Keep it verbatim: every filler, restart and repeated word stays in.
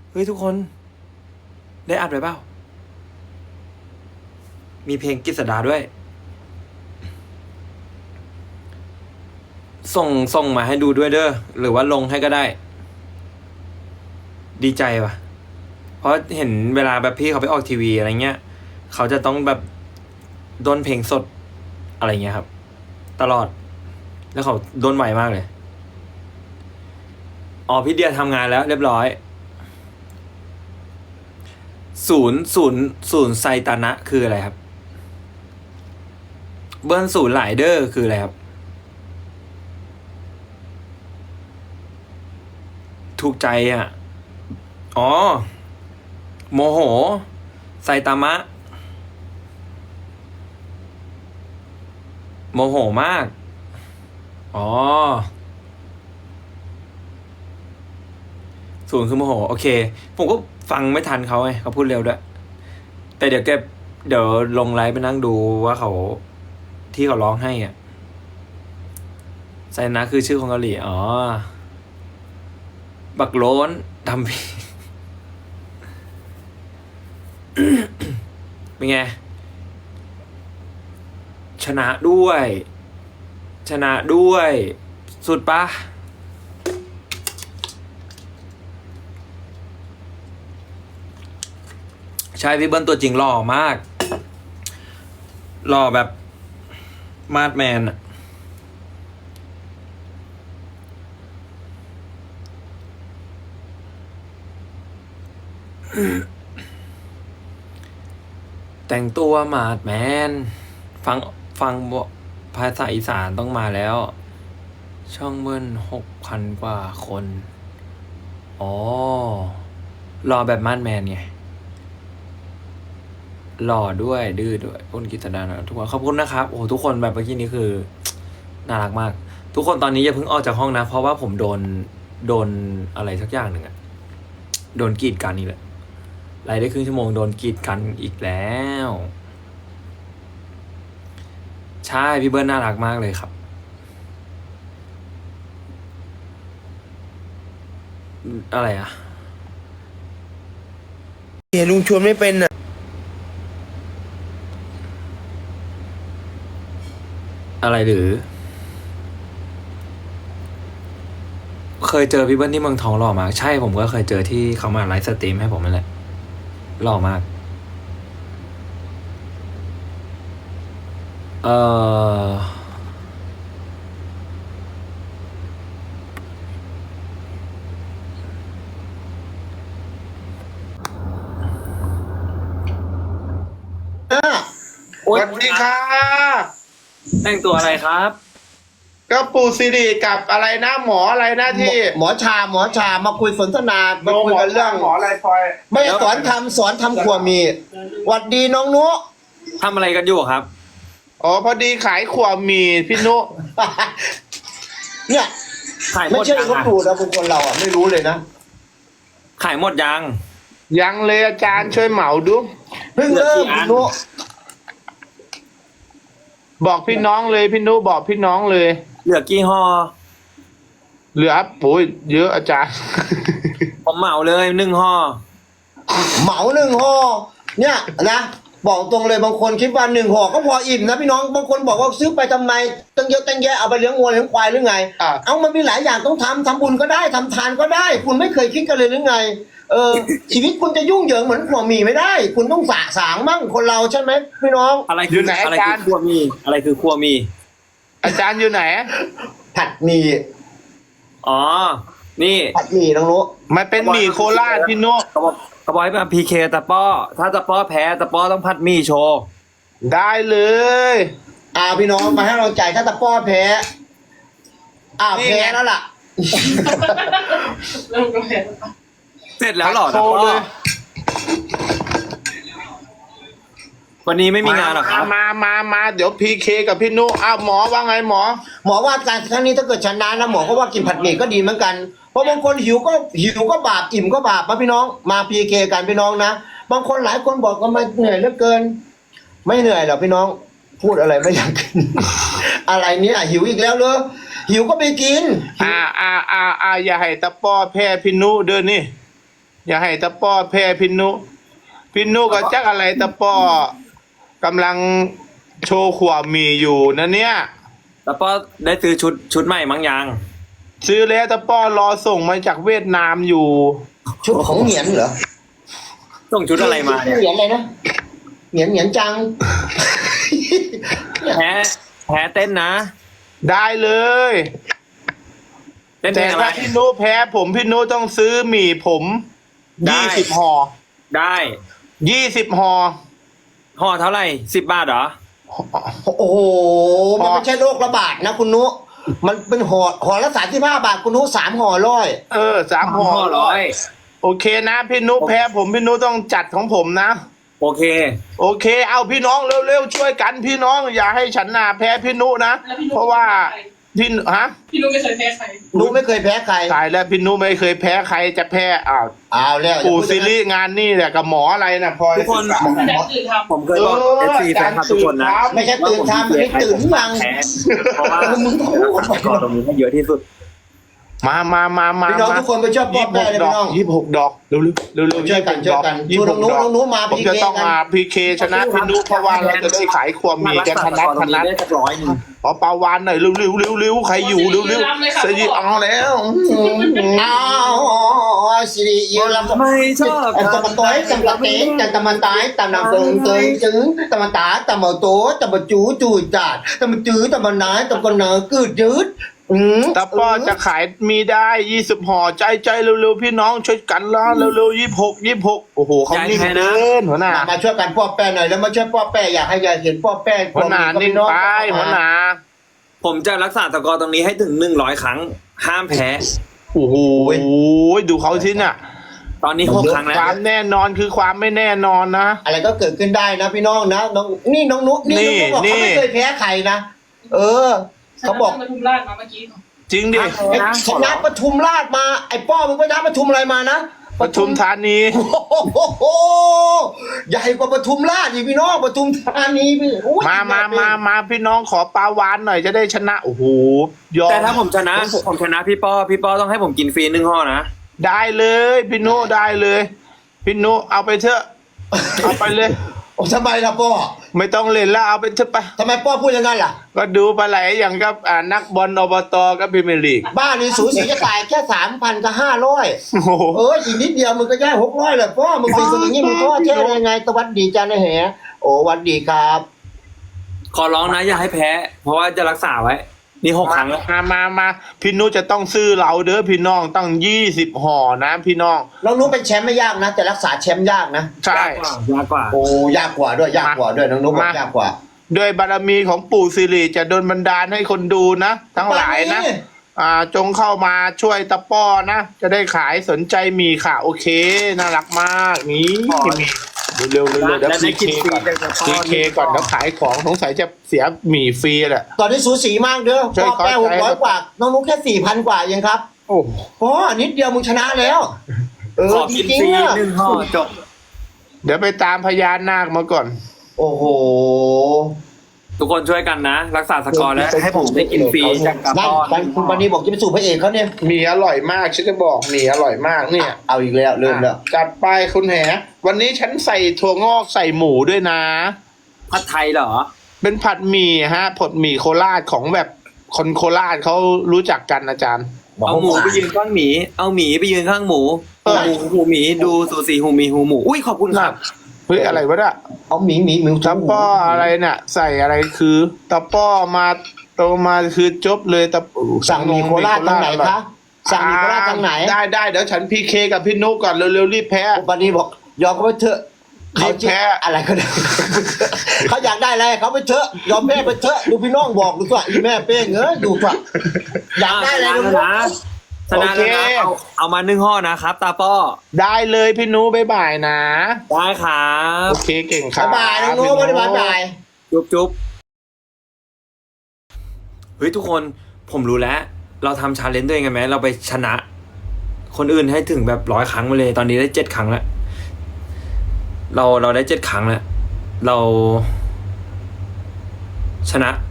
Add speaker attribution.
Speaker 1: เฮ้ยทุกคนได้อัดไว้เปล่ามีเพลงกฤษดาด้วย ส่งส่งมาให้ดูด้วยเด้อหรือว่าลงให้ก็ได้ ดีใจปะเพราะเห็นเวลาแบบพี่เขาไปออกทีวีอะไรเงี้ยเขาจะต้องแบบด้นเพลงสดอะไรเงี้ยครับ ตลอด แล้วเขาด้นไหวมากเลยอ๋อพี่เดียทำงานแล้วเรียบร้อย ศูนย์ศูนย์ศูนย์ไซตานะคืออะไรครับ เบิ้ลศูนย์หลายเดอร์คืออะไรครับ ถูกใจอ่ะ อ๋อ โมโห ไซตามะ โมโหมาก อ๋อ ศูนย์คือโมโห โอเค ผมก็ฟังไม่ทันเขาไงเขาพูดเร็วด้วย แต่เดี๋ยวแกเดี๋ยวลงไลฟ์ไปนั่งดูว่าเขาที่เขาร้องให้อ่ะ ไซนะคือชื่อของเกาหลี อ๋อ บักโล้นทำพี่ เป็นไง ชนะด้วย ชนะด้วย สุดปะใช่พี่เบิ้ลตัวจริงหล่อมาก หล่อแบบมาดแมนอะแต่งตัวมาดแมน ฟังฟังภาษาอีสานต้องมาแล้ว ช่องเบิ้ลหกพันกว่าคน อ๋อ รอแบบมาดแมนไง หล่อด้วยดื้อด้วยอ้นกิตดานะทุกคนขอบคุณนะครับโอ้ทุกคนแบบเมื่อกี้นี้คือ น่ารักมาก ทุกคนตอนนี้อย่าเพิ่งออกจากห้องนะ เพราะว่าผมโดนโดนอะไรสักอย่างหนึ่งอะโดนกีดกันอีกแล้วไลฟ์ได้ครึ่งชั่วโมงโดนกีดกันอีกแล้ว ใช่พี่เบิร์นน่ารักมากเลยครับ อะไรอะ
Speaker 2: เห็นลุงชวนไม่เป็นอ่ะ
Speaker 1: อะไรหรือ เคยเจอพี่เบิร์นที่เมืองทองหล่อมาก ใช่ผมก็เคยเจอที่เขามาไลฟ์สตรีมให้ผมนั่นแหละหล่อมาก เออโอ๊
Speaker 3: ส
Speaker 1: ย
Speaker 3: วัสดีค่ะ
Speaker 1: แต่งตัวอะไรครับ
Speaker 3: ก็ปู่สิริกับอะไรนะหมออะไรนะที่
Speaker 2: หมอชาหมอชามาคุยสนทนา
Speaker 3: โน
Speaker 2: มาคุย
Speaker 3: หมอ
Speaker 2: กันเรื่อง
Speaker 3: หมออะไรพลอย
Speaker 2: ไม่สอนทำสอนทำครัวมีหวัดดีน้องนุ
Speaker 1: ทำอะไรกันอยู่ครับ
Speaker 3: อ๋อพอดีขายขวบหมีพี่นุ
Speaker 2: เนี่ย
Speaker 1: ขายหม
Speaker 2: ไม่
Speaker 1: ด
Speaker 2: ใช่
Speaker 1: ยัง
Speaker 2: คน
Speaker 1: อะ
Speaker 2: ดูนะคนคนเราอ่ะไม่รู้เลยนะ
Speaker 1: ขายหมดยัง
Speaker 3: ยังเลยอาจารย์ช่วยเหมาดู
Speaker 2: เพิ่งเริ่ม
Speaker 1: เหลือกี่อัน
Speaker 2: นุ
Speaker 3: บอกพี่น้องเลยพี่นุบอกพี่น้องเลย
Speaker 1: เหลือกี่ห่อ
Speaker 3: เหลือปุ๋ยเยอะอาจารย์
Speaker 1: ผมเหมาเลยหนึ่งห่อ
Speaker 2: เหมาหนึ่งห่อเนี่ยนะบอกตรงเลยบางคนคิดว่าหนึ่งห่อก็พออิ่มนะพี่น้องบางคนบอกว่าซื้อไปทำไมตั้งเยอะตั้งแยะเอาไปเลี้ยงวัวเลี้ยงควายหรือไง
Speaker 3: อ่ะ
Speaker 2: เอามันมีหลายอย่างต้องทำทำบุญก็ได้ทำทานก็ได้ คุณไม่เคยคิดกันเลยหรือไง เออ ชีวิตคุณจะยุ่งเหยิงเหมือนขวหมีไม่ได้ คุณต้องสะสางมั่งคนเราใช่ไหมพี่น้อง
Speaker 1: อะไร
Speaker 3: อ
Speaker 1: คื
Speaker 3: ยู่
Speaker 1: อ
Speaker 3: ไหน
Speaker 1: อะไร
Speaker 3: อาจา
Speaker 1: คื
Speaker 3: ร
Speaker 1: อ
Speaker 3: ย์
Speaker 1: ครัวมี อะไรคือครัวมี
Speaker 3: อาจารย์อยู่ไหน
Speaker 2: ผัดหมี่
Speaker 1: อ๋อ นี่
Speaker 2: ผัดหมี่น้องนุ
Speaker 3: มันเป็นหมี่โคราชพี่นุ
Speaker 1: เขาบอกเขาบอกให้มาพีเคตะป้อ ถ้าตะป้อแพ้ตะป้อต้องพัดหมีโชว์
Speaker 3: ได้เลย
Speaker 2: อ่าพี่น้องมาให้เราจ่ายถ้าตะป้อแพ้อ่า
Speaker 3: นี่
Speaker 2: แพ้
Speaker 3: ไง
Speaker 2: แล้วล่ะ
Speaker 1: เสร็จแล้วเหรอ
Speaker 3: โช
Speaker 1: ตะ
Speaker 3: ว์
Speaker 1: ป้
Speaker 3: เล
Speaker 1: อย วันนี้ไม่มีงานหรอครับ
Speaker 3: มามามาเดี๋ยวพีเคกับพี่นุอ้าวหมอว่าไงหมอ
Speaker 2: หมอว่าการครั้งนี้ถ้าเกิดชนะนะหมอก็ว่ากินผัดหมี่ก็ดีเหมือนกันเพราะบางคนหิวก็หิวก็บาปอิ่มก็บาปนะพี่น้องมาพีเคกันพี่น้องนะบางคนหลายคนบอกว่ามันเหนื่อยเหลือเกิน ไม่เหนื่อยหรอกพี่น้อง พูดอะไรไม่อยากกิน อะไรเนี้หิวอีกแล้วเลยหิวก็ไปกิน
Speaker 3: อ่าอ่าอ่าอ่าอย่าให้ตะป้อแพ้พี่นุเด้อนี่อย่าให้ตะป้อแพ้พี่นุพี่นุก็จักอะไรตะป้อกำลังโชว์ขวบหมีอยู่นะเนี่ย
Speaker 1: แล้วป้อได้ซื้อชุดชุดใหม่มั้งยัง
Speaker 3: ซื้อแล้วตะป้อรอส่งมาจากเวียดนามอยู่
Speaker 2: ชุดของเหงียนเหรอ
Speaker 1: ส่งชุดอะไรมาเนี่ย
Speaker 2: เหงียนอะไรนะเหงียนเหงียนจัง
Speaker 1: แพ้แพ้เต้นนะ
Speaker 3: ได้เลย
Speaker 1: เต้นเพล
Speaker 3: แต่
Speaker 1: งอะไร
Speaker 3: ถ้าพี่นุแพ้ผมพี่นุต้องซื้อหมี่ผม
Speaker 1: ได้
Speaker 3: ยี่สิบห่อ
Speaker 1: ได้
Speaker 3: ยี่สิบห่อ
Speaker 1: ห่อเท่าไหร่สิบบาทเหรอ
Speaker 2: โอ้โห มันไม่ใช่โรคระบาดนะคุณนุ มันเป็นห่อห่อละสามสิบห้าบาทคุณนุสามห่อร้อย
Speaker 3: เออสามห่อ
Speaker 1: ห่อร้อย
Speaker 3: โอเคนะพี่นุแพ้ผมพี่นุต้องจัดของผมนะ
Speaker 1: โอเค
Speaker 3: โอเค เอาพี่น้องเร็วๆช่วยกันพี่น้อง อย่าให้ฉันนาแพ้พี่นุนะ
Speaker 4: แล้วพี่นุ
Speaker 3: เพราะว่าพี่ฮะ
Speaker 4: พี่นุ้ไม่เคยแพ้ใคร
Speaker 2: นุไม่เคยแพ้ใคร
Speaker 3: ตายแล้วพี่นุไม่เคยแพ้ใครจะแพ้อ้าว
Speaker 2: เอาแล้ว
Speaker 3: ปู่ซีรีส์งานนี่แหละกับหมออะไรนะพลอย
Speaker 1: ทุกคน
Speaker 4: แต่ตื่นทำ
Speaker 1: ผมเคยบอกเอฟซีแฟนคลับทุกคนนะ
Speaker 2: ไม่ใช่ตื่นทำไม่ตื่นยัง
Speaker 1: แพ้เพราะว่า
Speaker 2: มึงต้องพูด
Speaker 1: สกอร์ตรงนี้ให้เยอะที่สุด
Speaker 3: มามามามา
Speaker 2: พี่น้องทุกคนไปช่วยป้อแป้เลยพี่น้อง
Speaker 3: ยี่สิบหกดอกเร็วๆเร็วๆเร็วๆ
Speaker 2: ช่วยกันช่วยกัน
Speaker 3: ยี่สิบหก
Speaker 2: ช่วย
Speaker 3: ด
Speaker 2: น้
Speaker 3: อ
Speaker 2: อก งๆน้องๆมา
Speaker 3: ผมจะ
Speaker 2: พีเค
Speaker 3: ต้อง
Speaker 2: กัน
Speaker 3: มาพีเคชนะพี่นุเพราะว่าเราจะได้ขายความมีกันพนัดพนัด
Speaker 1: ได้สักร้อยหนึ่ง
Speaker 3: ขอปลาวานหน่อยเร็วๆเร็วๆใครอยู่เร็วๆเสียเอาแล้ว
Speaker 2: อ้าวสิริยืนลำ
Speaker 1: ไม่ชอบ
Speaker 2: ตะมันต้อยตะมันเต้นตะมันตายตะนำเติงเติงจึงตะมันตาตะมันโตตะมันจูจูจัดตะมันจื้อตะมันนายตะมันเนอกืดยืดอืม
Speaker 3: ตาป้อจะขายมีได้ยี่สิบห่อใจใจเร็วๆพี่น้องช่วยกันละเร็วๆยี่สิบหกยี่สิบหกโอ้โหเขานิ่งเกินหัวหน้า
Speaker 2: มามาช่วยกันป้อแป้หน่อยแล้วมาช่วยป้อแป้อยากให้ยายเห็นป้อแป้
Speaker 3: หัวหน้านิ่งไปหัวหน้า
Speaker 1: ผมจะรักษาสกอร์ตรงนี้ให้ถึงหนึ่งร้อยครั้ง ห้ามแพ้
Speaker 3: โอ้โหดูเขาที่น่ะ
Speaker 1: ตอนนี้หกครั้งแล้ว
Speaker 3: ความแน่นอนคือความไม่แน่นอนนะ
Speaker 2: อะไรก็เกิดขึ้นได้นะพี่น้องนะน้องนี่น้องนุ๊กนี่น้องนุ๊กบอก
Speaker 3: นี่
Speaker 2: เขาไม่เคยแพ้ใครนะเออเขาบอก
Speaker 4: มาทุมราชมาเมื่อกี้
Speaker 3: จริงดิ
Speaker 2: ไอ้ชนะปทุมราชมาไอ้ป้อมึงไปนะปทุมอะไรมานะ
Speaker 3: ปทุมธานี
Speaker 2: โอ้โหใหญ่กว่าปทุมราชอีกพี่น้องปทุมธานีพี่โอ้ย
Speaker 3: มามามามาพี่น้องขอปลาวานหน่อยจะได้ชนะโอ้โหยอม
Speaker 1: แต่ถ้าผมชนะ ผมชนะพี่ป้อพี่ป้อต้องให้ผมกินฟรีหนึ่งห่อนะ
Speaker 3: ได้เลยพี่นุได้เลยพี่นุเอาไปเถอะเอาไปเลย
Speaker 2: โอ้ทำไมล่ะป้อ
Speaker 3: ไม่ต้องเล่นแล้วเอาไปเถอะไป
Speaker 2: ทำไมป้อพูดอย่างนั้นล่ะ
Speaker 3: ก็ดูปลาไหลอย่างกับอ่านักบอลอบตกับพรีเมียร์ลีก
Speaker 2: บ้านนี่สูสีจะตายแค่สามพันกับห้าร้อย
Speaker 3: โอ้โห
Speaker 2: เอออีกนิดเดียวมึงก็ได้หกร้อยเลยป้อมึงเป็นคนอย่างนี้มึงท้อแท้ได้ยังไงสวัสดีจ้าในแหโอ้สวัสดีครับ
Speaker 1: ขอร้องนะอย่าให้แพ้ เพราะว่าจะรักษาไว้ นี่หกครั้งแล้ว
Speaker 3: มามามาพี่นุจะต้องซื้อเราเด้อพี่น้องตั้งยี่สิบห่อนะพี่น้อง
Speaker 2: น้องนุ๊กเป็นแชมป์ไม่ยากนะ แต่รักษาแชมป์ยากนะ
Speaker 3: ใช่
Speaker 1: ยากกว่า
Speaker 2: โอ้ยากกว่าด้วยยากกว่าด้วยน้องนุ๊กบอกยากกว่า
Speaker 3: ด้วยบารมีของปู่สิริจะโดนบันดาลให้คนดูนะ ทั้งหลายนะ อ่าจงเข้ามาช่วยตะป้อนะ จะได้ขายสนใจมีค่ะ โอเค น่ารักมากนี่มีเร็วๆเร็วๆเดี๋ยว
Speaker 1: และได้
Speaker 3: พี
Speaker 1: กิ
Speaker 3: เคน
Speaker 1: ฟรี
Speaker 3: ก่อน
Speaker 1: จากตะป้อ
Speaker 3: พีเคก่อนแล้วขายของสงสัยจะเสียหมี่ฟรีแหละ
Speaker 2: ตอนนี้สูสีมากเด้อ
Speaker 3: ใช่
Speaker 2: พ่อแป้
Speaker 3: ครับ
Speaker 2: หกร้อยกว่า น้องนุ๊กแค่สี่พันกว่าเองครับ
Speaker 3: โอ้
Speaker 2: พ่อนิดเดียวมึงชนะแล้ว เออ
Speaker 1: ขอ
Speaker 2: จ
Speaker 1: กิน
Speaker 2: ริง
Speaker 1: ฟรี
Speaker 2: ๆอะ
Speaker 1: หนึ่งห่อจบ
Speaker 3: เดี๋ยวไปตามพญานาคมาก่อน
Speaker 2: โอ้โห
Speaker 1: ทุกคนช่วยกันนะ รักษาสกอร์แล้วให้ผมได้กินฟรีจากตะ
Speaker 2: นั่น
Speaker 1: ป้อ
Speaker 2: วันคุณปานีบอกจะไปสู่พระเอกเขาเนี่ย
Speaker 3: หมีอร่อยมากฉันจะบอกหมีอร่อยมากเนี่ย
Speaker 2: เอาอีกแล้วเริ่มแล้ว
Speaker 3: จัดไปคุณแหวันนี้ฉันใส่ถั่วงอกใส่หมูด้วยนะ
Speaker 1: ผัดไทยเหรอ
Speaker 3: เป็นผัดหมี่ฮะผัดหมี่โคราชของแบบคนโคราชเขารู้จักกันอาจารย์
Speaker 1: เอาหมูไปยืนข้างหมี เอาหมีไปยืนข้างหมู
Speaker 3: เออ
Speaker 1: หมูหูหมีดูสูสีหูหมีหูหมู อุ้ยขอบคุณครับ
Speaker 3: เฮ้ยอะไรวะเนี่ย
Speaker 2: เอาหมีหมีหมี
Speaker 3: ตะป้ออะไรเนี่ย ใส่อะไรคือตะป้อมาโตมาคือจบเลยตะ
Speaker 2: สั่งหมีโคราชทางไหนคะสั่งหมีโคราชทางไหน
Speaker 3: ได้ได้เดี๋ยวฉันพีเคกับพี่นุก่อนเร็วๆรีบแพ้
Speaker 2: คุณปานีบอกยอมเขาไปเถอะเขา
Speaker 3: รีบแพ้
Speaker 2: อะไรก็ได้ เขาอยากได้อะไรเขาไปเถอะยอมแม่ไปเถอะดูพี่น้องบอกดูว่าอีแม่เป้งเอ้ยดูว่าอยากได้อะไรดู
Speaker 1: ชนะชนะแล้วนะเอาเอามาหนึ่งห่อนะครับ ตาป้อ
Speaker 3: ได้เลยพี่นุบ๊ายบายนะ
Speaker 1: ได้ครับ
Speaker 3: โอเคเก่งครับ
Speaker 2: บ๊ายบายน้องโน้ตบ๊ายบายบาย
Speaker 1: จุ๊บจุ๊บเฮ้ยทุกคนผมรู้แล้ว เราทำชาเลนจ์ตัวเองกันไหมเราไปชนะ คนอื่นให้ถึงแบบร้อยครั้งไปเลย ตอนนี้ได้เจ็ดครั้งแล้ว เราเราได้เจ็ดครั้งแล้ว เรา ชนะ